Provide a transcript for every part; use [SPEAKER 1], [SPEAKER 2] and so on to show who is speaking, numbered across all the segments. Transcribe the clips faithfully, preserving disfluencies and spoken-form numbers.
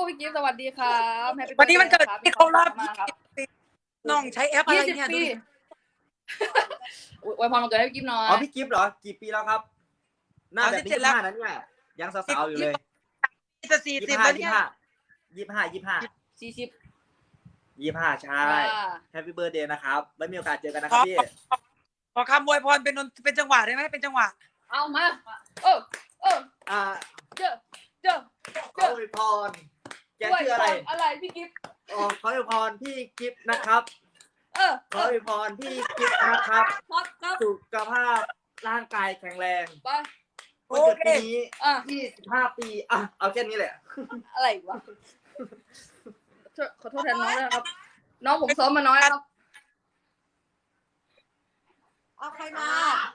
[SPEAKER 1] พี่กิฟต์สวัสดีครับแฮปปี้
[SPEAKER 2] วันนี้มันเกิดที่เขารับ
[SPEAKER 1] มาครับ
[SPEAKER 2] น้องใช้แอปอะไร
[SPEAKER 1] ยี่สิบ
[SPEAKER 2] เนี่ย
[SPEAKER 1] ปีอวยพรวันเกิดให้พี่กิฟต์หน่อย
[SPEAKER 3] อ๋อพี่กิฟต์เหรอกี่ปีแล้วครับหน้าแบบนี้ยี่สิบห้านั้นเนี่ยยังสาวๆอยู่เลย
[SPEAKER 2] จะสี่
[SPEAKER 3] ยี่
[SPEAKER 2] สิ
[SPEAKER 3] สิ
[SPEAKER 2] บบ แล้ว
[SPEAKER 3] ห้า
[SPEAKER 2] เนี่ย
[SPEAKER 3] ยี่สิบห้ายี่สิบห้ายี่สิบห้า
[SPEAKER 1] สี่สิบ
[SPEAKER 3] ยี่สิบห้าใช่
[SPEAKER 1] อ่า
[SPEAKER 3] แฮปปี้เบิร์ดเดย์นะครับไว้มีโอกาสเจอกันนะครับพี่
[SPEAKER 2] ขอคำอวยพรเป็นเป็นจังหวะได้ไหมเป็นจังหวะ
[SPEAKER 1] เอามาเออเออ
[SPEAKER 3] อ่า
[SPEAKER 1] เจอเจอ
[SPEAKER 3] ขออวยพรแกชื่ออะไร
[SPEAKER 1] อะไรพี่กิฟต์
[SPEAKER 3] อ๋อขออวยพรพี่กิฟต์นะครับ
[SPEAKER 1] เออ
[SPEAKER 3] ขออวยพรพี่กิฟต์นะครับ
[SPEAKER 1] ครับครับ
[SPEAKER 3] สุขภาพร่างกายแข็งแรง
[SPEAKER 1] ไป
[SPEAKER 3] วันเกิดปีนี้
[SPEAKER 1] อ่ะ
[SPEAKER 3] ยี่สิบห้าปีอ่ะเอาแค่นี้แหละ
[SPEAKER 1] อะไรวะขอโทษแทนน้องด้วยนะครับ น้องผมซ้อมมาน้อยครับ
[SPEAKER 4] เอาใครมา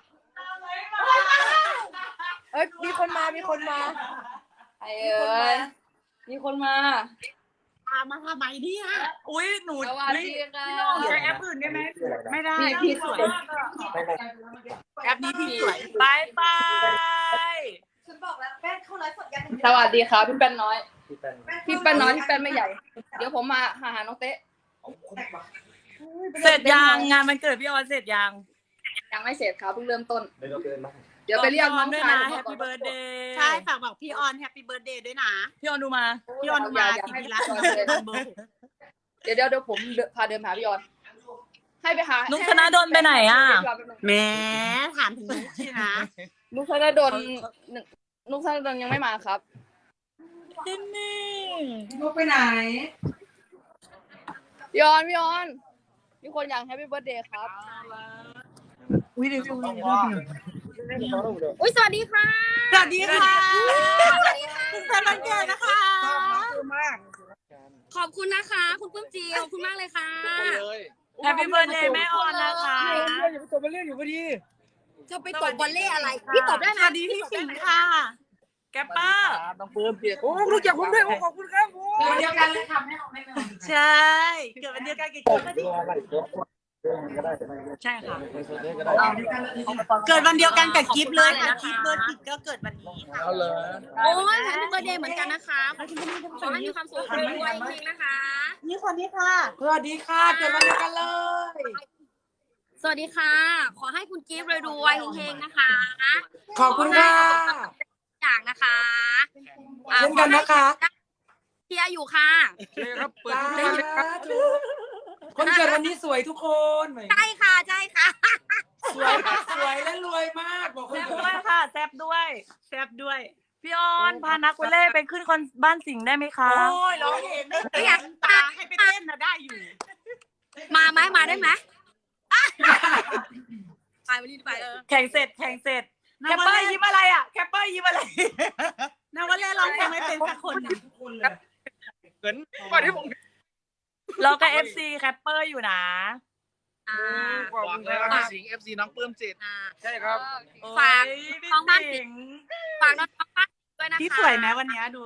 [SPEAKER 4] เอ้ย มีคนมา มีคนมา
[SPEAKER 1] ไอ้เอ้ยมีคนมา
[SPEAKER 4] ตามมาทำไมเนี่ย
[SPEAKER 2] อุ้ยหนู
[SPEAKER 1] สวัสดีค่ะ
[SPEAKER 2] พี่น้องใช้แอปอื่นได้ไหมไม่ได้
[SPEAKER 1] พี่พี่สวย
[SPEAKER 2] แอปนี้พี่สวยบายบาย
[SPEAKER 4] ฉันบอกแล้วแป้งเข้าไลฟ์สดยัง
[SPEAKER 1] สวัสดีครับพี่แป้นน้อย
[SPEAKER 3] พี่เป็น
[SPEAKER 1] พี่แป้นน้อยพี่แป้นไม่ใหญ่ เดี๋ยวผมมาหาหาน้องเต๊ะ
[SPEAKER 2] เสร็จยังงานมันเกิดพี่ออนเสร็จยัง
[SPEAKER 1] ยังไม่เสร็จครับเพิ่งเริ่มต้น
[SPEAKER 3] เดินเกินมา
[SPEAKER 1] เดี๋ยวไปเรียกน้อง
[SPEAKER 2] ด้วย
[SPEAKER 1] ชาย
[SPEAKER 2] นะ
[SPEAKER 1] ผม
[SPEAKER 2] แฮ
[SPEAKER 1] มา
[SPEAKER 2] ป
[SPEAKER 1] ก่อน
[SPEAKER 2] ปี้เบิร์ดเดย์
[SPEAKER 4] ใช่ฝากบอกพี่ออนแฮปปี้เบิร์ดเดย์ด้วยนะ
[SPEAKER 2] พี่ออนดูมา
[SPEAKER 4] พี่ออนมากินรัตน์เบอร์หก
[SPEAKER 1] เดี๋ยวเดี๋ยวเดี๋ยวผมเดินพาเดินหาพี่ออน ให้ไปหา
[SPEAKER 2] นุกธนาดลไปไหนอ่ะ
[SPEAKER 4] แหมถามถึงนุ๊กสินะ
[SPEAKER 1] นุกธนาดลหนึ่งนุกธนาดลยังไม่มาครับ
[SPEAKER 2] จินนี่
[SPEAKER 4] นุ๊กไปไหน
[SPEAKER 1] พี่ออนพี่ออนมีคนอยากแฮปปี้เบิร์ดเดย์ครับ
[SPEAKER 4] อุ้ยเดี๋ยว
[SPEAKER 1] อุ้ยสวัสดีค่ะ
[SPEAKER 4] สวัสดีค่ะเป็นวันเกิดนะคะ
[SPEAKER 5] ขอบคุณนะคะ คุณปื้มจีขอบคุณมากเลยค่ะ
[SPEAKER 2] แฮปปี้เบิร์ดเดย์แม่ออนนะคะ
[SPEAKER 4] จะไปตบวอลเล่อะไรพี่ตบได้นะสวัสดีพี่สิงห์ค่ะ
[SPEAKER 2] แกปเปอร์
[SPEAKER 4] โอ้รู้จักผมด้วยขอบคุณครับวันเดียวกันเลยทำให้เราไม่ไม่ใช่เกิดวันเดียวกันกับกิ๊บ
[SPEAKER 2] ใช่ค่ะ
[SPEAKER 4] เกิดวันเดียวกันกับกิ๊บเลยค่ะกิ๊บเบิร์ดกิ๊บก็เกิดวันนี้ค่ะ
[SPEAKER 5] โอ้ยแฮปปี้เบิร์ดเดย์เหมือนกันนะคะขอให้มีความสุขรวยๆจริงๆนะคะ
[SPEAKER 4] นี่คนนี้ค่ะ
[SPEAKER 2] สวัสดีค่ะเกิดวันเดียวกันเลย
[SPEAKER 5] สวัสดีค่ะ ขอให้คุณกิฟต์รวยๆเฮงๆนะคะ
[SPEAKER 2] ขอบคุณค่ะ
[SPEAKER 5] อย่างนะคะอ่า
[SPEAKER 2] เช่นกันนะคะ
[SPEAKER 5] เชียร์อยู่ค่ะ
[SPEAKER 2] ครับเปิดทุกท่านเลยครับคนเกิดวันนี้สวยทุกคน
[SPEAKER 5] ใช่ค่ะใช่ค่ะ
[SPEAKER 2] สวยสวยและรวยมากบอกแซบด้วยค่ะแซบด้วยแซบด้วยพี่ออนพานักวอลเล่ไปขึ้นคอนบ้านสิงห์ได้ไหมคะ
[SPEAKER 4] โอ้ยร้องเพลงได้อยากตาให้ไปเต้นนะได้อยู่
[SPEAKER 5] มาไหมมาได้ไหมไปวันนี้ไปเออ
[SPEAKER 2] แข่งเสร็จแข่งเสร็จแคปเปอร์ยิ้มอะไรอ่ะแคปเปอร์ยิ้มอะไร
[SPEAKER 4] นาวเล่ร้องเพลงไม่เป็นสักคนนะ
[SPEAKER 6] เหมือนก่อนที่ผม
[SPEAKER 2] เราก็เอฟซีแคปเปอร์อยู่นะ
[SPEAKER 5] อ่า
[SPEAKER 6] หวังเลยว่าสิงห์เอฟซีน้องปลื้มจิต
[SPEAKER 5] อ่า
[SPEAKER 6] ใช่ครับ
[SPEAKER 5] ฝาก
[SPEAKER 2] โอ้ยพี่
[SPEAKER 5] น้องบ้านสิ
[SPEAKER 2] สิ
[SPEAKER 5] ง
[SPEAKER 2] ง
[SPEAKER 5] ห์
[SPEAKER 2] ห์
[SPEAKER 5] ฝากน้องบ้านด้วยนะคะ
[SPEAKER 4] พี่สวยไหมวันนี้ดู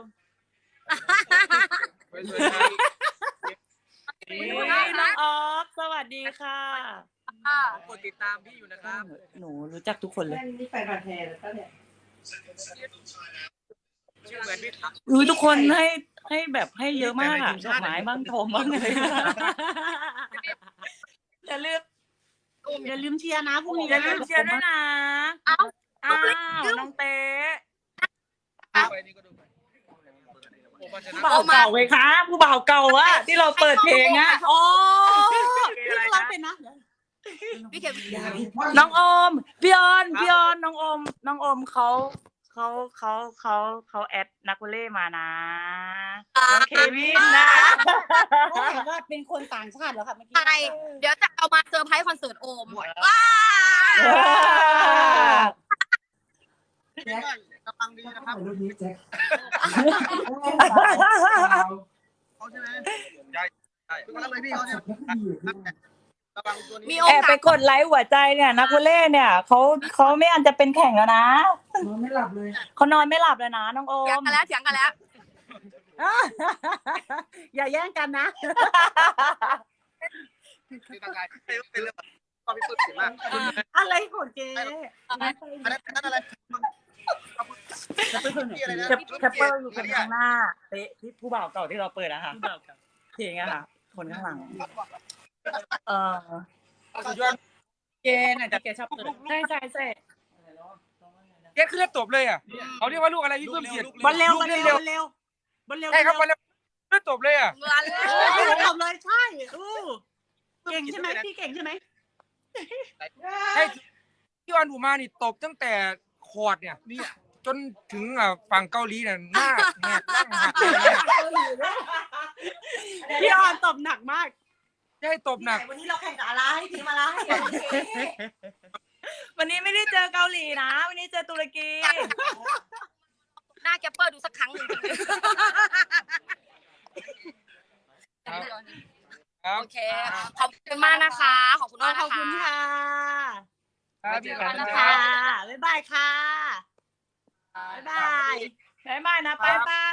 [SPEAKER 6] สวยๆครับ
[SPEAKER 2] นี่น้องออฟสวัสดีค่ะ
[SPEAKER 5] อ่า
[SPEAKER 6] กดติดตามพี่อยู่นะครับ
[SPEAKER 2] หนูรู้จักทุกคนเลย
[SPEAKER 4] นี่แฟนพันธุ์แท้แล้วก็เนี่ย
[SPEAKER 6] ชื่อเหมือนพี่ถัก
[SPEAKER 2] อุ้ยทุกคนให้ให้แบบให้เยอะมากอ่ะดอกไม้บ้างทมบ้างเลยอย่าลืม
[SPEAKER 4] อย่าลืมเชียร์นะพรุ่งนี้
[SPEAKER 2] อย่าลื
[SPEAKER 4] นะ
[SPEAKER 2] มเชียร์ด้วยนะ
[SPEAKER 5] เอ้า
[SPEAKER 2] อ้าวน้องเต๊ะ
[SPEAKER 6] ไปนี่ก็ดูไปผมว่าจะ
[SPEAKER 2] ผู้บ่าวเก่าไงคะผู้บ่าวเก่าอะที่เราเปิดเพลงอะ
[SPEAKER 4] โอ้พี่ร้องเป็นนะ
[SPEAKER 5] พี่เข็ม
[SPEAKER 2] น้องโอมพี่ออนพี่ออนน้องโอมน้องโอมเขาเขาเขาเขาเขาแอดนักวอลเล่มานะน้องเควินนะ
[SPEAKER 4] เขาเห็นว่าเป็นคนต่างชาติเหรอคะเมื่อกี้
[SPEAKER 5] ใช่เดี๋ยวจะเอามาเซอร์ไพรส์คอนเสิร์ตโอมว้า
[SPEAKER 6] กำลังดีนะครับเขาใช่ไหมใช่ใช่ก็เลยพี่เขาเนี่ยกำลังตัวนี้
[SPEAKER 5] มีโอ
[SPEAKER 2] แอบ
[SPEAKER 5] กา
[SPEAKER 2] ไป
[SPEAKER 5] ส
[SPEAKER 2] กดไลค์หัวใจเนี่ยนักวอลเล่เนี่ยเขาเขาไม่อันจะเป็นแข่งแล้วนะ
[SPEAKER 4] นอนไม่หลับเลย
[SPEAKER 2] เขานอนไม่หลับเลยนะน้องโอ
[SPEAKER 5] เถียง
[SPEAKER 2] ม
[SPEAKER 5] กันแล้วเถียงกันแล้ว
[SPEAKER 4] อย่าแย่งกันนะ
[SPEAKER 6] ที่ต่างกายเป็นเรื่องตอนพี่ปลื้มจิตมาก
[SPEAKER 4] อะไรของเจ๊
[SPEAKER 6] อันนั้นอันนั้นอะไร
[SPEAKER 2] แคปแคปเปอร์อยู่คนข้างหน้าเตะที่ผู้บ่าวเก่าที่เราเปิดนะคะเพลงอะค่ะ คนข้างหลัง เออ
[SPEAKER 6] สุดยอด
[SPEAKER 4] เกณฑ์อ่ะแกชอบเปิด
[SPEAKER 2] ใช่ใช่ใช่
[SPEAKER 6] เกณฑ์คือเลือดตบเลยอ่ะเขาเรียกว่าลูกอะไรพี่เพิ่มเสียด
[SPEAKER 4] บอลเร็วบอลเร็วบอลเร็วบอลเร็ว
[SPEAKER 6] ใช่ครับบอลเร็วเลือดตบเลยอ่ะ
[SPEAKER 5] เงินเลย
[SPEAKER 4] ตบเลยใช่อู้เก่งใช่ไหมพี่เก่งใช่ไหม
[SPEAKER 6] ใช่ที่วันผมมานี่ตบตั้งแต่คอร์ดเนี่ยจนถึงอ่ะฝั่งเกาหลีเนี่ยหน้าแหกร่างหักเลยเนี่ย
[SPEAKER 4] พี่ออนตบหนักมาก
[SPEAKER 6] จะให้ตบหนัก
[SPEAKER 4] วันนี้เราแข่งกับอะไรทีมอะไร
[SPEAKER 2] วันนี้ไม่ได้เจอเกาหลีนะ วันนี้เจอตุรกี
[SPEAKER 5] หน้าแกปเปอร์ดูสักครั้งหนึ่ง
[SPEAKER 6] ครับ
[SPEAKER 5] โอเค ขอบคุณมากนะคะ ขอบคุณมาก
[SPEAKER 4] ข
[SPEAKER 5] นะ
[SPEAKER 4] อบ
[SPEAKER 5] คะ
[SPEAKER 4] คุณค่ะ
[SPEAKER 6] ครับพี่ครับ
[SPEAKER 4] ค่ะบ๊ายบายค่ะบ๊ายบาย
[SPEAKER 2] บ๊ายบายนะ ไปไป